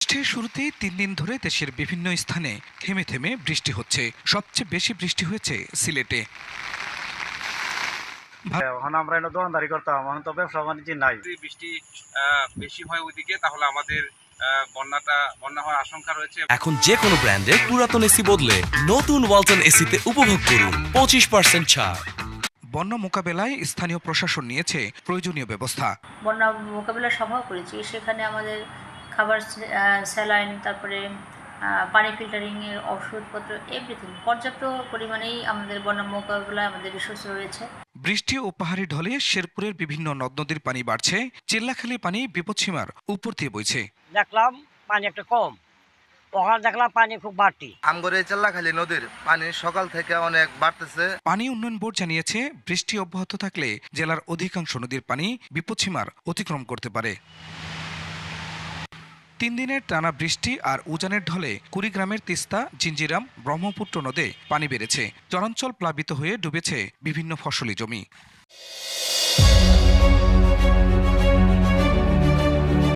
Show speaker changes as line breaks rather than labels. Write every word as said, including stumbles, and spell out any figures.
আগস্টের শুরুতেই তিন দিন ধরে দেশের বিভিন্ন স্থানে থেমে থেমে বৃষ্টি হচ্ছে। সবচেয়ে বেশি বৃষ্টি হয়েছে সিলেটে।
এখন আমরা এনে দোকানদারি করতাম, এখন তো ব্যবসা বাণিজ্য নাই।
যদি বৃষ্টি আহ, বেশি হয় ওইদিকে, তাহলে আমাদের আহ, বন্যাটা বন্যা হওয়ার আশঙ্কা রয়েছে।
এখন যে কোনো ব্র্যান্ডের পুরাতন এসি বদলে নতুন ওয়ালটন এসিতে উপভোগ করুন পঁচিশ পার্সেন্ট ছাড়।
বন্যা মোকাবেলায় স্থানীয় প্রশাসন নিয়েছে প্রয়োজনীয় ব্যবস্থা।
বন্যা মোকাবিলার সভাও করেছি, সেখানে আমাদের খাবার, স্যালাইন, তারপরে পানি ফিল্টারিংয়ের ওষুধপত্র, এভরিথিং পর্যাপ্ত পরিমাণেই আমাদের বন্যা মোকাবিলায় আমাদের রিসোর্স রয়েছে।
বৃষ্টি ও পাহাড়ি ঢলে শেরপুরের বিভিন্ন নদ নদীর পানি বাড়ছে। চিল্লাখালী পানি বিপদসীমার উপর দিয়ে বইছে।
দেখলাম পানি একটা কম, ওখানে দেখলাম পানি খুব বাড়তি।
আমগরে চিল্লাখালী নদীর পানি সকাল থেকে অনেক বাড়তেছে।
পানি উন্নয়ন বোর্ড জানিয়েছে, বৃষ্টি অব্যাহত থাকলে জেলার অধিকাংশ নদীর পানি বিপদসীমার অতিক্রম করতে পারে। তিন দিনের টানা বৃষ্টি আর উজানের ঢলে কুড়িগ্রামের তিস্তা, জিঞ্জিরাম, ব্রহ্মপুত্র নদে পানি বেড়েছে। চরাঞ্চল প্লাবিত হয়ে ডুবেছে বিভিন্ন ফসলি জমি।